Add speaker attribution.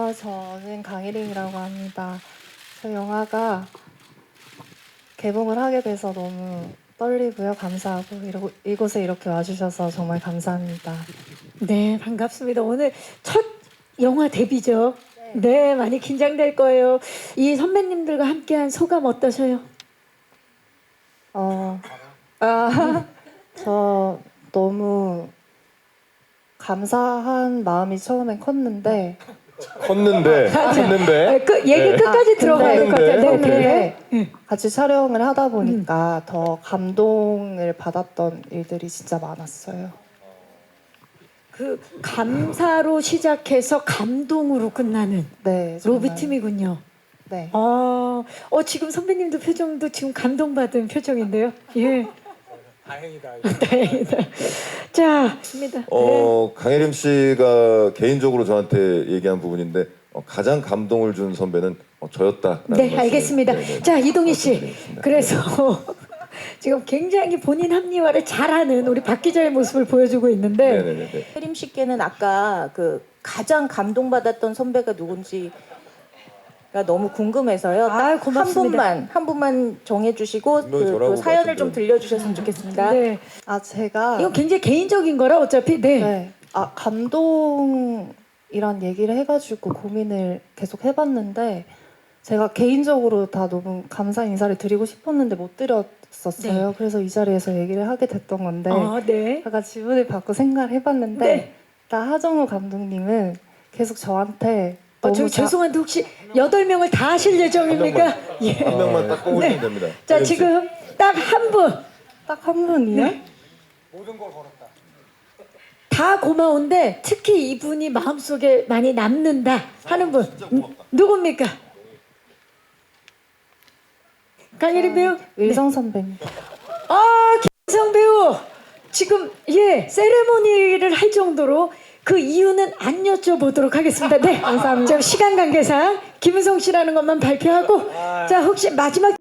Speaker 1: 저는 강혜림이라고 합니다. 저 영화가 개봉을 하게 돼서 너무 떨리고요. 감사하고 이곳에 이렇게 와주셔서 정말 감사합니다.
Speaker 2: 네, 반갑습니다. 오늘 첫 영화 데뷔죠. 네, 많이 긴장될 거예요. 이 선배님들과 함께한 소감 어떠세요?
Speaker 1: 저 너무 감사한 마음이 처음엔 컸는데
Speaker 2: 얘기 끝까지 들어가야 될 것 같아요. 네,
Speaker 1: 근데
Speaker 2: 네.
Speaker 1: 같이 촬영을 하다 보니까 더 감동을 받았던 일들이 진짜 많았어요.
Speaker 2: 그 감사로 시작해서 감동으로 끝나는
Speaker 1: 네, 정말.
Speaker 2: 로비팀이군요.
Speaker 1: 네.
Speaker 2: 지금 선배님도 표정도 지금 감동받은 표정인데요. 예.
Speaker 3: 다행이다.
Speaker 2: 다행이다. 자, 좋습니다. 네.
Speaker 4: 강혜림 씨가 개인적으로 저한테 얘기한 부분인데 가장 감동을 준 선배는 저였다.
Speaker 2: 네, 알겠습니다.
Speaker 4: 네네.
Speaker 2: 자, 이동희 씨.
Speaker 4: 말씀드리겠습니다.
Speaker 2: 그래서 지금 굉장히 본인 합리화를 잘하는 우리 박 기자의 모습을 보여주고 있는데
Speaker 4: 네네네.
Speaker 5: 혜림 씨께는 아까 그 가장 감동받았던 선배가 누군지가 너무 궁금해서요. 딱
Speaker 2: 고맙습니다.
Speaker 5: 한 분만 정해주시고
Speaker 4: 분명히
Speaker 5: 그
Speaker 4: 저라고
Speaker 5: 사연을 좀
Speaker 4: 말씀드렸는데.
Speaker 5: 들려주셨으면 좋겠습니다.
Speaker 2: 네.
Speaker 1: 제가
Speaker 2: 이건 굉장히 개인적인 거라 어차피
Speaker 1: 네. 감동이란 얘기를 해가지고 고민을 계속 해봤는데 제가 개인적으로 다 너무 감사 인사를 드리고 싶었는데 못 드렸었어요. 그래서 이 자리에서 얘기를 하게 됐던 건데
Speaker 2: 네.
Speaker 1: 제가 질문을 받고 생각을 해봤는데
Speaker 2: 네.
Speaker 1: 일단 하정우 감독님은 계속 저한테
Speaker 2: 저
Speaker 1: 너무
Speaker 2: 죄송한데 혹시 8명을 다 하실 예정입니까? 예.
Speaker 4: 한 명만 딱 뽑으시면
Speaker 2: 네.
Speaker 4: 됩니다.
Speaker 2: 자,
Speaker 4: 혜림 씨.
Speaker 2: 지금 딱 한 분.
Speaker 1: 딱 한 분이요?
Speaker 2: 네.
Speaker 3: 모든 걸 걸었다.
Speaker 2: 다 고마운데 특히 이분이 마음속에 많이 남는다 하는 분 누굽니까? 강혜림 배우?
Speaker 1: 의성 선배님.
Speaker 2: 김성 배우 지금 세레모니를 할 정도로 그 이유는 안 여쭤보도록 하겠습니다. 네, 감사합니다. 시간 관계상 김은성 씨라는 것만 발표하고 자 혹시 마지막